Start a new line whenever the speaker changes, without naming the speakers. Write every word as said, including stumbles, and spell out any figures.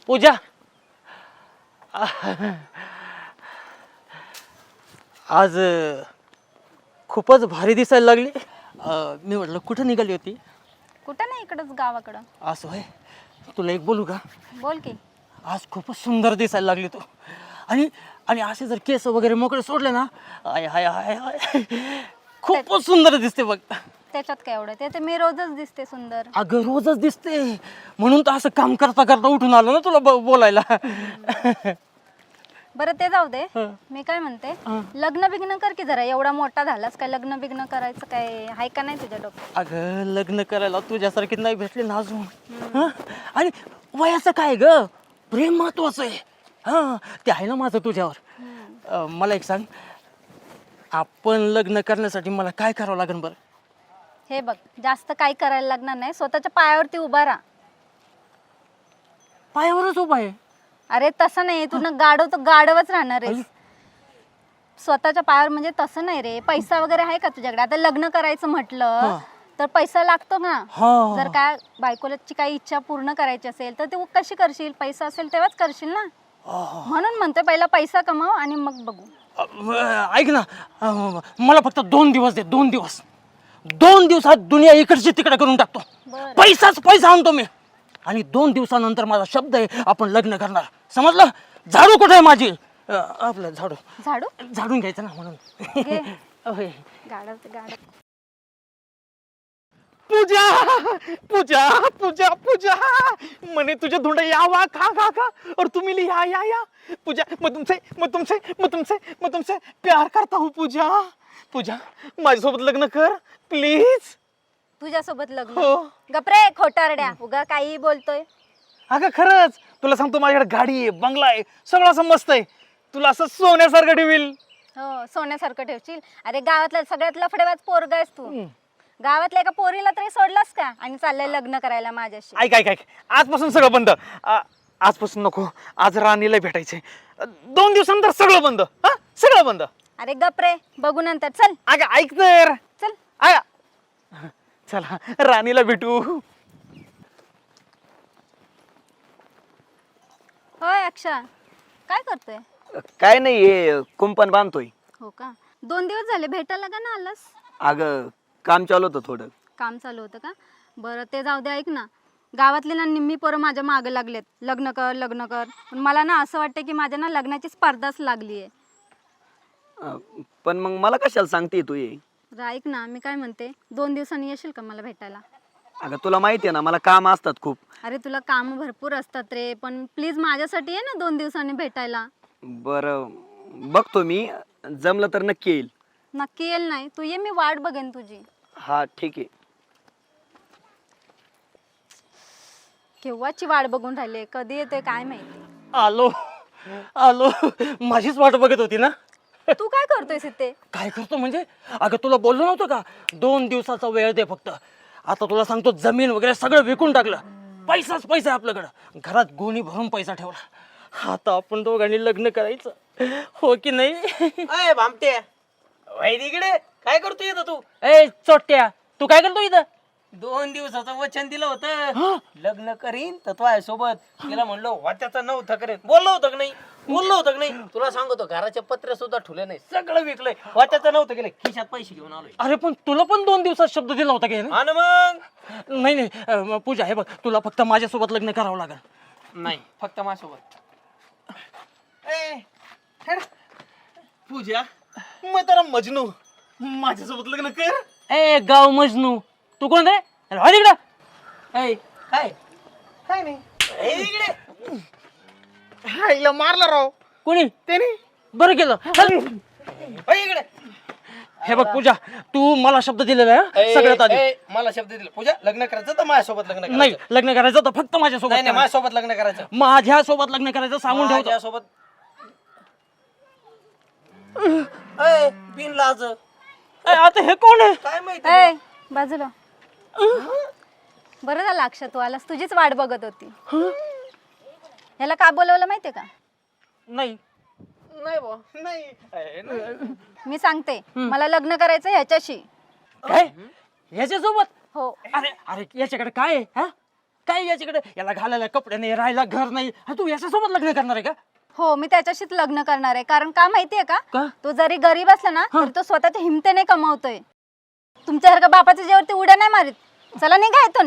पूजा आज अ, खूपच भारी दिसायला लागली. अ, मी म्हटलं कुठं निघाली होती?
कुठं नाही, इकडंच गावाकडं.
असं होय. तुला एक बोलू का?
बोल की.
आज खूपच सुंदर दिसायला लागली तू. आणि आणि असे जर केस वगैरे मोकळे सोडले ना, आय हाय हाय हाय खूपच सुंदर दिसते बघ.
त्याच्यात काय एवढं, ते तर मी रोजच दिसते सुंदर.
अगं रोजच दिसते म्हणून तर असं काम करता करता उठून आलो ना तुला ब- बोलायला.
बरं ते जाऊ दे.
हं.
मी काय म्हणते,
हं.
लग्न बिग्न कर की जरा. एवढा मोठा झालास काय, लग्न बिग्न करायचं काय आहे का नाही तुझ्या डोक्यात?
अगं लग्न करायला तुझ्यासारखी नाही भेटली ना अजून. हं? आणि वयाचं काय ग, प्रेम महत्वाचं आहे. हा ते आहे ना माझं तुझ्यावर. अं, मला एक सांग, आपण लग्न करण्यासाठी मला काय करावं लागेल बरं?
हे बघ, जास्त काही करायला लागणार नाही. स्वतःच्या पायावरती उभा राहा.
पायावरच उभा आहे.
अरे तसं नाही, तू ना गाडव तर गाडवच राहणार आहे. स्वतःच्या पायावर म्हणजे तसं नाही रे. पैसा वगैरे आहे का तुझ्याकडे? आता लग्न करायचं म्हटलं तर पैसा लागतो ना.
हा.
जर काय बायकोची काही इच्छा पूर्ण करायची असेल तर तू कशी करशील? पैसा असेल तेव्हाच करशील ना. म्हणून म्हणतोय पहिला पैसा कमव आणि मग बघू.
अं, ऐक ना, अं, मला फक्त दोन दिवस दे. दोन दिवस दोन दिवसात दुनिया इकडची तिकडे करून टाकतो.
बरं.
पैसाच पैसा आणतो मी. आणि दोन दिवसानंतर माझा शब्द आहे, आपण लग्न करणार. समजलं? झाडू कुठे आहे माझी? अं, आपलं झाडू
झाडू
झाडून घ्यायचं ना म्हणून.
घे.
होय.
गाडव ते गाडव.
पूजा पूजा पूजा पूजा मने तुझे धुंड यावा खा खा खा और तू मिली या या या पूजा मैं तुमसे मैं तुमसे मैं तुमसे मैं तुमसे प्यार करता हूँ पूजा पूजा माझ्यासोबत लग्न कर प्लीज.
तुझ्यासोबत लग्न?
हो.
गपरे खोटारड्या, उगा काही बोलतोय.
अगं खरंच तुला सांगतो, माझ्याकडे गाडी आहे, बंगला आहे, सगळं असं मस्त आहे. तुला असं सोन्यासारखं ठेवील.
हो, सोन्यासारखं ठेवशील. अरे गावातला सगळ्यात लफडेबाज पोरगा आहेस तू. गावातल्या एका पोरीला तरी सोडलास का आणि चाललंय लग्न करायला माझ्याशी?
ऐक ऐक ऐक आजपासून सगळं बंद. आ- आजपासून नको. आज राणीला भेटायचंय. दोन दिवसानंतर सगळं बंद. हा सगळं बंद.
अरे गपरे, बघू नंतर. चल
अगं ऐक तर.
चल.
आया चला राणीला भेटू.
होय अक्षा, काय करतोय?
काय नाही, हे कुंपण बांधतोय.
हो का, दोन दिवस झाले भेटायला का ना आलास?
अगं काम चालू होतं थोडं.
काम चालू होतं का? बरं ते जाऊ दे. ऐक ना, गावातले ना निम्मी पोरं माझ्या मागं लागलेत, लग्न कर लग्न कर. पण मला ना असं वाटतं की माझ्या ना लग्नाची स्पर्धाच लागली आहे.
अं, पण मग मला कशाला सांगते तू ये?
ऐक ना, मी काय म्हणते, दोन दिवसांनी येशील का मला भेटायला?
अगं तुला माहिती आहे ना, मला काम असतात खूप.
अरे तुला काम भरपूर असतात रे, पण प्लीज माझ्यासाठी ये ना दोन दिवसांनी भेटायला.
बरं बघतो मी, जमलं तर नक्की येईल.
नक्की येईल नाही, तू ये, मी वाट बघेन तुझी.
हा ठीक आहे.
केव्हाची वाट बघून राहिली, कधी येतोय काय माहिती.
आलो आलो. माझीच वाट बघत होती ना.
तू काय करतोयस इथे?
काय करतो म्हणजे? अगं तुला बोललो नव्हतं का, दोन दिवसाचा वेळ दे फक्त. आता तुला सांगतो, जमीन वगैरे सगळं विकून टाकलं. पैसाच पैसा आहे आपल्याकडं. घरात गोणी भरून पैसा ठेवला. आता आपण दोघांनी लग्न करायचं, हो की नाही?
अय भामटे, वैद इकडे काय करतो इथं तू?
ए चोट्या, तू काय करतो इथं?
दोन दिवसाचं वचन दिलं होतं, लग्न करीन तर तो आहे सोबत. तिला म्हणलो वाट्याचं नव्हतं करेन. बोललो होतं की नाही? बोललो होतं की नाही? तुला सांगतो, घराचे पत्रे सुद्धा ठुले नाही, सगळं विकलंय. वाट्याचं नव्हतं गेलं, खिशात पैसे घेऊन आलोय.
अरे पण तुला पण दोन दिवसात शब्द दिला होता की नाही?
आणि मग
नाही नाही, अं, पूजा हे बघ, तुला फक्त माझ्यासोबत लग्न करावं लागेल.
नाही, फक्त माझ्यासोबत. ए, हेड. पूजा,
मैं तेरा मजनू, माझ्यासोबत लग्न कर.
ए गाव मजनू, तू कोण रे? अरे हो तिकडं. ए
काय काय नाही. ए, इकडे
हायला मारला राव
कोणी?
त्याने.
बरं केलं. चल.
ओ, इकडे.
हे बघ पूजा, तू मला शब्द दिलेला आहे
ए,
सगळ्यात आधी.
ए, मला शब्द दिला, पूजा लग्न करायचं तर माझ्यासोबत लग्न करायचं.
नाही, लग्न करायचं तर फक्त माझ्यासोबत
नाही नाही,
करायचं.
माझ्यासोबत लग्न करायचं.
माझ्या सोबत लग्न करायचं सांगून ठेवतो.
माझ्यासोबत. ए, बिन लाज.
ए, आता हे कोण आहे?
काय माहिती?
ए बाजूला. बरं झालं अक्षा तू आलास, तुझीच वाट बघत होती. ह्याला का बोलवलं माहितीये का?
नाही.
नाही बा, नाही. ए, नाही.
मी सांगते, मला लग्न करायचं ह्याच्याशी.
काय? याच्यासोबत?
हो.
अरे अरे याच्याकडे काय आहे? हा? काय याच्याकडे, याला घालायला कपडे नाही, राहायला घर नाही, आणि तू याच्यासोबत लग्न करणार आहे का?
हो मी त्याच्याशीच लग्न करणार आहे. कारण का माहितीये का,
का?
तो जरी गरीब असला ना तरी तो स्वतःच्या हिमतीने कमावतोय. तुमच्यासारखं बापाच्या जेवरती उड्या नाही मारित. चला निघा इथून.